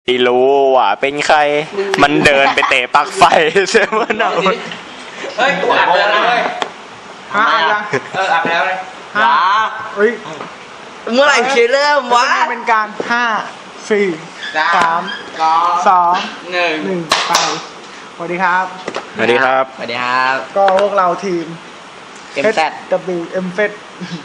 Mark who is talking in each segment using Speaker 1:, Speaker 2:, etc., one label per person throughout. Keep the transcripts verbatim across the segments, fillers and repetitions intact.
Speaker 1: ไม่รู้ว่าเป็นใครมันเดินไปเตะปลั๊กไฟใช่ไหมเนาะ
Speaker 2: เฮ้ยกูอัดไปแล้วเลย
Speaker 3: ฮะอะไร
Speaker 2: เอออัดไปแล้วเลย
Speaker 3: ฮะเฮ้ย
Speaker 4: เมื่อไหร่จะเริ่มวะ
Speaker 3: เป็นการห้าสี่สามสองหนึ่งหนึ่งไปสวัสดีครับ
Speaker 1: สวัสดีครับ
Speaker 4: สวัสดีครับ
Speaker 3: ก็พวกเราทีม
Speaker 4: เอ็ม แซด
Speaker 3: ดับเบิลยู เอ็ม เอฟ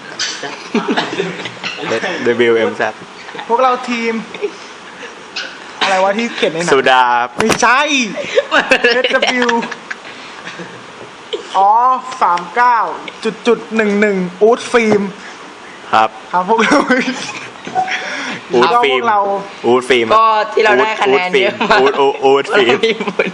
Speaker 1: ดับเบิลยู เอ็ม แซด
Speaker 3: พวกเราทีมอะไรวะที่เขียนในหนัง
Speaker 1: สุดา
Speaker 3: ไม่ใช่ เอส ดับเบิลยู อ๋อสามเก้าจุดจุดหนึ่งหนึ่งอูดฟิล์ม
Speaker 1: ครับ
Speaker 3: ครับพวกเรา
Speaker 1: อูดฟิล์ม
Speaker 3: เรา
Speaker 1: อูดฟิล์ม
Speaker 4: ก็ที่เราได้คะแนนเยอะมาก
Speaker 1: อูดอูดฟิล์ม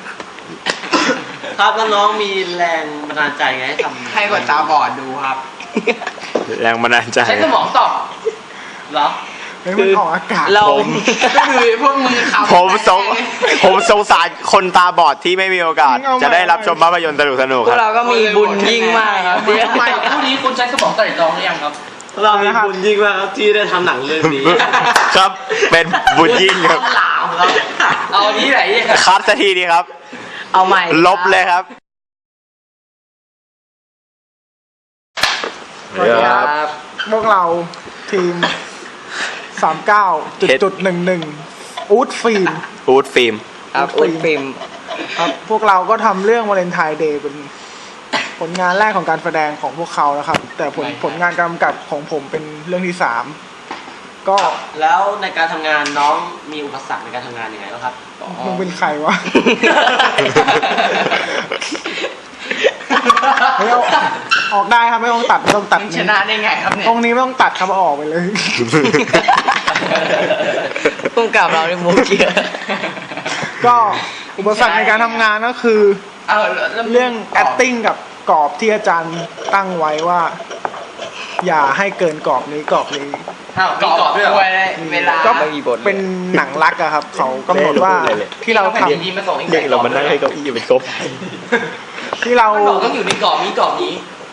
Speaker 2: ครับน้องมีแรงบันดาลใจไงให้ทำให้คนตาบอดดูครับ
Speaker 1: แรงบันดาลใจ
Speaker 2: ใช้สมองตอบเหรอ
Speaker 3: เฮ้ยมันออกอากาศ
Speaker 4: เรา
Speaker 2: ก็คือพวกมือเขา
Speaker 1: ผมสงผมสงสารคนตาบอดที่ไม่มีโอกาสจะได้รับชมภาพยนตร์สนุกสนุกครับ
Speaker 4: พวกเราก็มีบุญยิ่งมากครับ
Speaker 2: ทำไมคู่นี้คุณใช้สมองไตร่ตรองหรือยังครับ
Speaker 5: เรามีบุญยิ่งมากครับที่ได้ทำหนังเรื่องนี้
Speaker 1: ครับเป็นบุญยิ่งครับ
Speaker 2: เอานี้ไหน
Speaker 1: คัดสักทีดีครับ
Speaker 4: เอาใหม่
Speaker 1: ลบเลยครับ
Speaker 3: สวัสดีครับพวกเราทีมสามเก้าจุดจุดหนึ่งหนึ่งอูดฟิล์ม
Speaker 1: อูดฟิล์ม
Speaker 4: ครับอูดฟิล์ม
Speaker 3: ครับพวกเราก็ทำเรื่องวาเลนไทน์เดย์เป็นผลงานแรกของการแสดงของพวกเขานะครับแต่ผลผลงานกำกับของผมเป็นเรื่องที่สามก็
Speaker 2: แล้วในการทำงานน้องมีอุปสรรคในการทำงานยังไงบ้างครับ
Speaker 3: มึงเป็นใครวะไม่เอาออกได้ครับไม่ต้องตัดไม่ต้องตัด
Speaker 2: ชนะได้ไงครับเนี่ย
Speaker 3: ตรงนี้ไม่ต้องตัดครับออกไปเลย
Speaker 4: พุ่งกับเราในมูเกีย
Speaker 3: ก็อุปสรรคในการทำงานก็คือเรื่อง acting กับกรอบที่อาจารย์ตั้งไว้ว่าอย่าให้เกินกรอบนี้กรอบนี้
Speaker 2: กรอบด้วยเวลา
Speaker 3: ก็เป็นหนังรักอะครับเขากำหนดว่าที่เราทำ
Speaker 1: เด็กเรามานั่งให้เก้าอี้เป็นครบ
Speaker 3: ที่เรา
Speaker 2: ต้องอยู่ในกรอบนี้กรอบนี้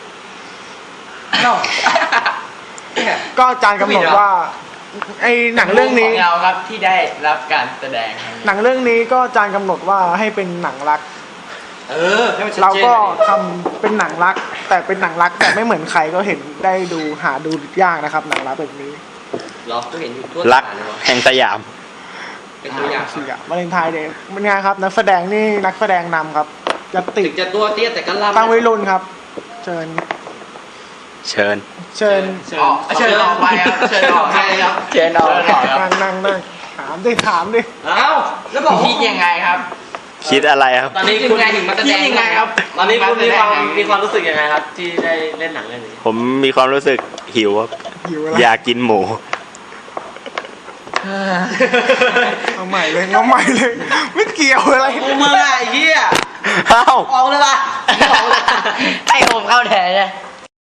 Speaker 3: ก็อาจารย์กำหนดว่าไอ้หนังเรื่องนี้
Speaker 2: เราครับที่ได้รับการแสดง
Speaker 3: หนังเรื่องนี้ก็อาจารย์กำหนดว่าให้เป็นหนังรัก
Speaker 2: เออ
Speaker 3: เราก็ทำเป็นหนังรักแต่เป็นหนังรักแต่ไม่เหมือนใครก็เห็นได้ดูหาดูยากนะครับหนังรักแบบนี้
Speaker 2: เราก็เห็นอยู่ทั่ว
Speaker 1: รักแห่งสยาม
Speaker 2: เป็นตัวอย่าง
Speaker 3: สิวาเลนไทน์เดย์เป็นไงครับนักแสดงนี่นักแสดงนำครับจะติด
Speaker 2: จะตัวเตี้ยแต่ก็ล่ำ
Speaker 3: ตั้งวิรุณครับเชิญ
Speaker 1: เชิญ
Speaker 3: เชิญ
Speaker 2: เชิญออกไปครับเชิญออกไปครับ
Speaker 4: เชิญออก
Speaker 3: นั่งนั่งนั่งถามดิถามดิ
Speaker 2: อ้าวแล้วบอกคิดยังไงครับ
Speaker 1: คิดอะไรครับ
Speaker 2: ตอนนี้คุณถึงมาแสดงยังไงครับตอนนี้คุณมีความมีความรู้สึกยังไงครับที่ได้เล่นหนังเรื่องนี้
Speaker 1: ผมมีความรู้สึกหิวครับอยากกินหมู
Speaker 3: เอาใหม่เลยเอาใหม่เลยไม่เกี่ยวอะไร
Speaker 2: กูมึงไอ้เหี้ย
Speaker 1: อ้าว
Speaker 2: ออกเลยป่ะ
Speaker 4: ให้ผมเข้าแทนเลย